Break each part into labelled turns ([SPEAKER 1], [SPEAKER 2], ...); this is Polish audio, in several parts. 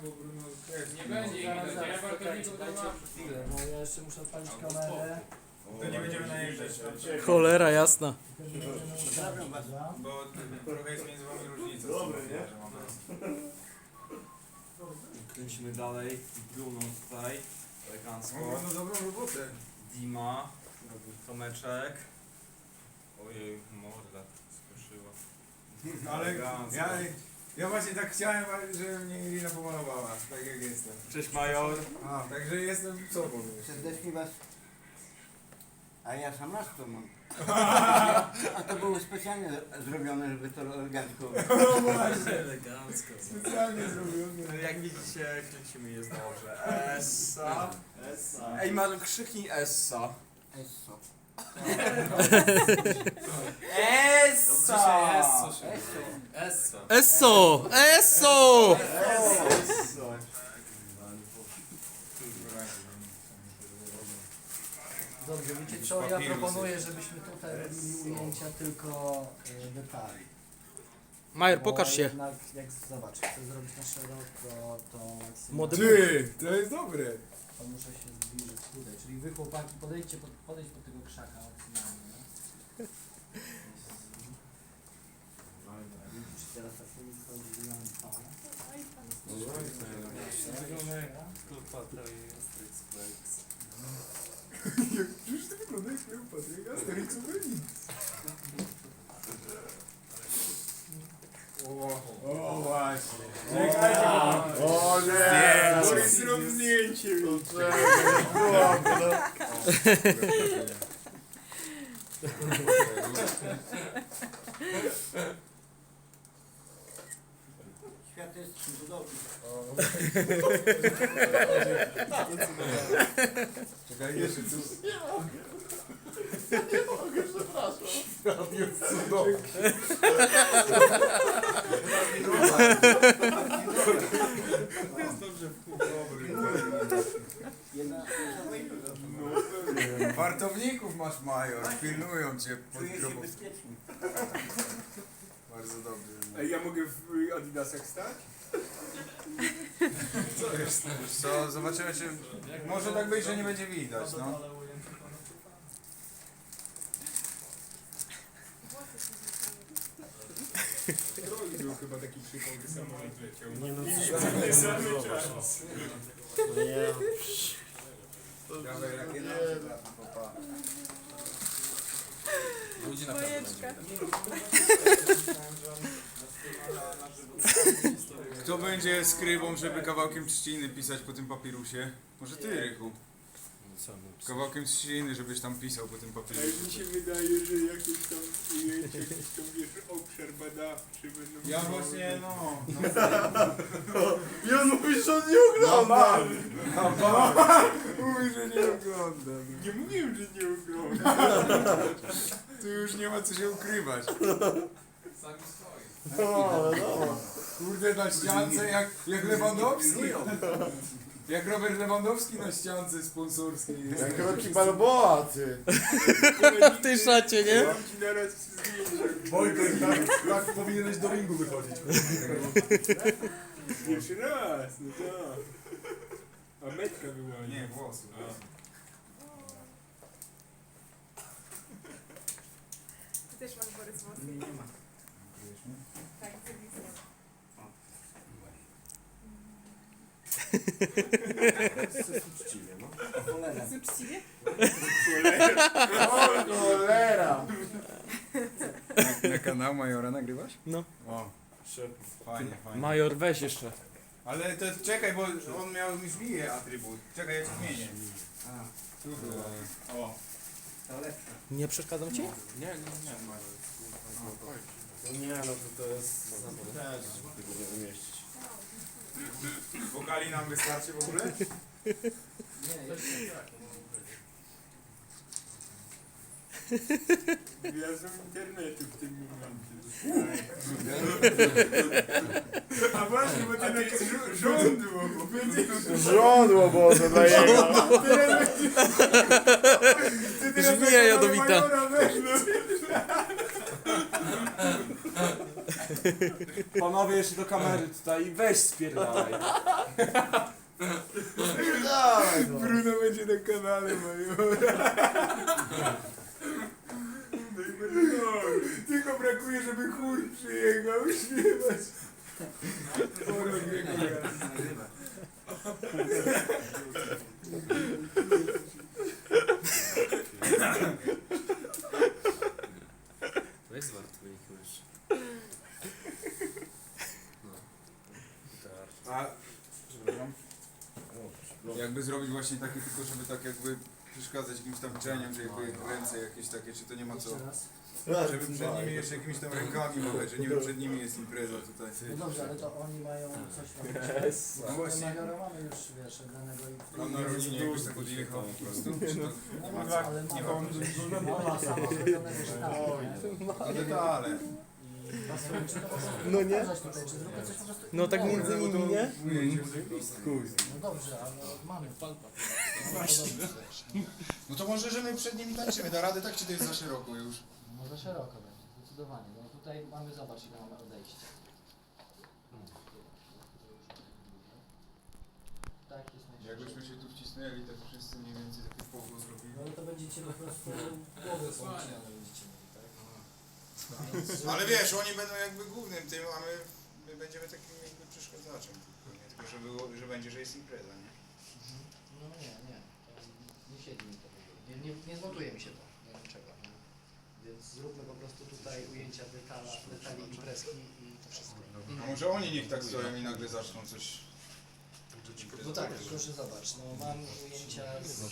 [SPEAKER 1] bo Bruno jest.
[SPEAKER 2] Nie będzie,
[SPEAKER 3] Zaraz,
[SPEAKER 2] ja
[SPEAKER 3] zaraz,
[SPEAKER 2] wartowników
[SPEAKER 3] czekajcie,
[SPEAKER 2] to mam.
[SPEAKER 3] dajcie chwilę, bo ja jeszcze muszę odpalić kamerę.
[SPEAKER 1] To nie będziemy najeżdżać,
[SPEAKER 4] Cholera jasna.
[SPEAKER 3] Tylko nie będziemy ustawiać, prawda?
[SPEAKER 1] bo trochę jest między wami różnica.
[SPEAKER 5] Dobry, nie?
[SPEAKER 1] Że mamy...
[SPEAKER 5] Kręcimy dalej. Bruno tutaj. Elegancko.
[SPEAKER 1] No dobrą robotę.
[SPEAKER 5] Dima. Tomeczek. Ojej, morda skruszyła.
[SPEAKER 1] Ale ja właśnie tak chciałem, żeby mnie Irina pomalowała, tak jak jestem.
[SPEAKER 5] Cześć Major.
[SPEAKER 1] Także jestem sobą już.
[SPEAKER 6] Serdecznie was. A ja sam raz to mam. A to było specjalnie zrobione, żeby to elegancko.
[SPEAKER 1] No właśnie,
[SPEAKER 5] Elegancko.
[SPEAKER 1] specjalnie zrobione.
[SPEAKER 5] No jak widzicie, kręcimy jest dobrze. Essa. Ej, Major, krzyknij Essa.
[SPEAKER 6] Esso.
[SPEAKER 5] Essa!
[SPEAKER 6] Esso.
[SPEAKER 4] Esso! Esso!
[SPEAKER 3] Dobrze, wiecie co, ja proponuję, żebyśmy tutaj robili ujęcia tylko detali.
[SPEAKER 4] Major,
[SPEAKER 3] Bo
[SPEAKER 4] pokaż się.
[SPEAKER 3] Jednak, jak zobacz, chcę zrobić na szeroko, to maksymalnie
[SPEAKER 4] Młody
[SPEAKER 1] Ty, to jest dobre.
[SPEAKER 3] to muszę się zbliżyć tutaj. Czyli wy chłopaki podejdźcie podejdź pod tego krzaka maksymalnie. Czy teraz tak sobie wchodzi lampa?
[SPEAKER 1] Przecież ty wyglądasz jak Patryk Asterix Obelix. O właśnie. Czekajcie, o nie! To jest zdjęcie.
[SPEAKER 6] Świat jest cudowny.
[SPEAKER 1] Czekaj, jeszcze tu. Jest dobrze w pół
[SPEAKER 6] Jedna
[SPEAKER 1] Wartowników masz, Major, pilnują cię pod
[SPEAKER 6] czuję się
[SPEAKER 1] grobą.
[SPEAKER 6] bezpiecznie.
[SPEAKER 1] Bardzo dobrze.
[SPEAKER 7] A ja mogę w Adidasach stać?
[SPEAKER 1] Co, zobaczymy czy... Może tak być, że nie będzie widać, no.
[SPEAKER 7] Drogi był chyba taki przypał, że samolot leciał.
[SPEAKER 5] Nie no,
[SPEAKER 7] Nie samy czas.
[SPEAKER 1] Dawaj rakietę, popa.
[SPEAKER 2] Ludzi na pewno będzie.
[SPEAKER 1] Kto będzie skrybą, żeby kawałkiem trzciny pisać po tym papirusie? Może ty, Rychu. Kawałkiem trzciny, żebyś tam pisał po tym
[SPEAKER 7] A
[SPEAKER 1] papirusie.
[SPEAKER 7] mi się wydaje, że jakieś tam ujęcie, jakiś tam wiesz, obszar badawczy będą...
[SPEAKER 1] Ja właśnie, no.
[SPEAKER 5] I on mówi, że on nie ogląda!
[SPEAKER 1] Mówi, że nie ogląda.
[SPEAKER 7] Nie mówiłem, że nie oglądam.
[SPEAKER 1] Tu już nie ma co się ukrywać.
[SPEAKER 2] Sami swoi.
[SPEAKER 1] Kurde, na ściance jak Lewandowski. Jak Robert Lewandowski na ściance sponsorskiej jest.
[SPEAKER 5] Jak Rocky Balboa, ty!
[SPEAKER 4] W tej szacie, nie?
[SPEAKER 7] Mam ci naraz zdjęcie.
[SPEAKER 5] Wojtek, tak powinieneś do ringu wychodzić.
[SPEAKER 7] Pierwszy raz, no tak. A metka była,
[SPEAKER 1] Nie, włosy.
[SPEAKER 8] Ty też masz Borys włosy?
[SPEAKER 6] Nie ma.
[SPEAKER 8] Tak, ty widzę.
[SPEAKER 5] Uczciwie, no.
[SPEAKER 6] O cholera.
[SPEAKER 8] Z uczciwie?
[SPEAKER 5] O, cholera!
[SPEAKER 1] Na kanał Majora nagrywasz?
[SPEAKER 4] No.
[SPEAKER 1] O, fajnie, fajnie.
[SPEAKER 4] Major, weź jeszcze.
[SPEAKER 1] Ale to czekaj, bo on miał mi zbije atrybut. Czekaj, ja ci zmienię.
[SPEAKER 6] A,
[SPEAKER 1] Tu było. O.
[SPEAKER 6] to lepsze.
[SPEAKER 4] Nie przeszkadzam ci?
[SPEAKER 5] Nie, no to jest... Też, żeby tego nie wymieścić.
[SPEAKER 1] Wokali nam wystarczy w ogóle?
[SPEAKER 3] Nie, jeszcze tak.
[SPEAKER 7] Gwiazdą internetu w tym momencie. A właśnie, bo ten jakiś żądło, bo będzie...
[SPEAKER 5] Żądło Boże dla jego!
[SPEAKER 4] Żmija jadowita.
[SPEAKER 5] Panowie jeszcze do kamery tutaj i weź spierdalaj.
[SPEAKER 3] Dawaj go.
[SPEAKER 1] Bruno będzie na kanale moim. Tylko brakuje, żeby chór przyjechał śpiewać.
[SPEAKER 2] To jest wart twoich mysz.
[SPEAKER 1] A, przepraszam. Jakby zrobić właśnie takie, tylko żeby tak jakby przeszkadzać jakimś tam cieniem, że jakby ręce jakieś takie, czy to nie ma co.
[SPEAKER 3] Jeszcze raz.
[SPEAKER 1] Żeby przed nimi jeszcze jakimiś tam rękami machać, że niby przed nimi jest impreza tutaj.
[SPEAKER 3] No dobrze, ale to oni mają coś tam.
[SPEAKER 1] No właśnie.
[SPEAKER 3] Majora mamy już, wiesz, danego i...
[SPEAKER 1] Mam na rodzinie jakbyś tak odjechał po prostu. Czy to
[SPEAKER 3] No,
[SPEAKER 1] ma co?
[SPEAKER 3] ale
[SPEAKER 1] Nie
[SPEAKER 3] mama,
[SPEAKER 1] mam
[SPEAKER 3] mama sama zrobione wyszczepy.
[SPEAKER 1] no detale.
[SPEAKER 3] Czy to można
[SPEAKER 4] No nie?
[SPEAKER 3] pokazać tutaj, czy zróbmy coś po prostu
[SPEAKER 4] No tak
[SPEAKER 3] innego?
[SPEAKER 4] między nimi, nie?
[SPEAKER 1] Ujęcie w listku.
[SPEAKER 3] No dobrze, ale mamy.
[SPEAKER 1] No to może, że my przed nimi tańczymy. Da radę tak, czy to jest za szeroko już?
[SPEAKER 3] No za szeroko będzie, zdecydowanie. No tutaj mamy, zobacz ile mamy odejścia. Tak jest najszybciej.
[SPEAKER 1] Jakbyśmy się tu wcisnęli, tak wszyscy mniej więcej takie połowę zrobili.
[SPEAKER 3] No to będziecie po prostu głowy połączone będziecie mieli, tak?
[SPEAKER 1] Ale wiesz, oni będą jakby głównym tym, a my będziemy takim jakby przeszkadzaczem. Tylko, że, było, że będzie, że jest impreza, nie?
[SPEAKER 3] No nie, nie siedzi mi to. Nie zmontuje mi się to, nie wiem czego. Nie? Więc zróbmy po prostu tutaj ujęcia detali imprezki i to wszystko.
[SPEAKER 1] A może oni niech tak stoją i nagle zaczną coś...
[SPEAKER 3] No tak, proszę zobacz, no mam ujęcia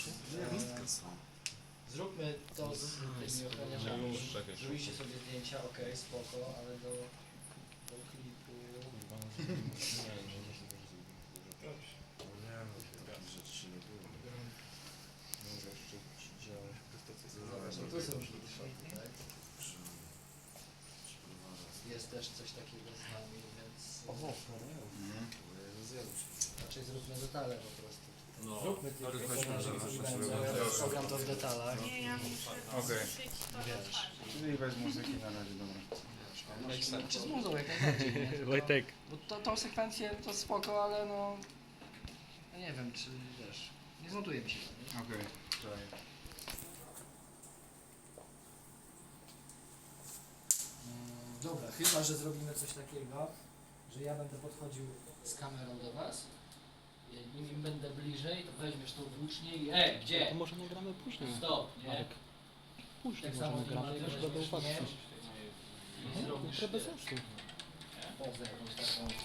[SPEAKER 3] zróbmy to z tymi ochroniarzami. Zrobiliście sobie zdjęcia, okej, spoko, ale do klipu... Zobacz, no tu są shorty, tak? Jest też coś takiego z nami, więc raczej zróbmy detale po prostu.
[SPEAKER 2] No.
[SPEAKER 3] Zróbmy tylko,
[SPEAKER 2] Dobra.
[SPEAKER 3] program to w detalach.
[SPEAKER 8] Nie, ja muszę
[SPEAKER 1] Okej.
[SPEAKER 8] szyć to
[SPEAKER 3] Wiesz.
[SPEAKER 1] Czyli bez muzyki na razie, dobra.
[SPEAKER 3] Czy z muzą jak najbardziej, nie?
[SPEAKER 4] Wojtek.
[SPEAKER 3] Bo tą sekwencję to spoko, ale no... Ja nie wiem, czy wiesz... Nie zmontuje mi się to, nie?
[SPEAKER 1] Okej,
[SPEAKER 3] Dobra, chyba, że zrobimy coś takiego, że ja będę podchodził z kamerą do was. Im będę bliżej, to weźmiesz tą włócznię i...
[SPEAKER 4] To
[SPEAKER 3] gdzie?
[SPEAKER 4] może nagramy później.
[SPEAKER 3] Stop, nie?
[SPEAKER 4] Marek. Później
[SPEAKER 3] Tak
[SPEAKER 4] może
[SPEAKER 3] samo ty
[SPEAKER 4] nagramy,
[SPEAKER 3] Marek,
[SPEAKER 4] też
[SPEAKER 3] weźmiesz
[SPEAKER 4] będę uwagę.
[SPEAKER 3] miecz i zrobisz
[SPEAKER 4] Trochę bez sensu.
[SPEAKER 3] pozę jakąś taką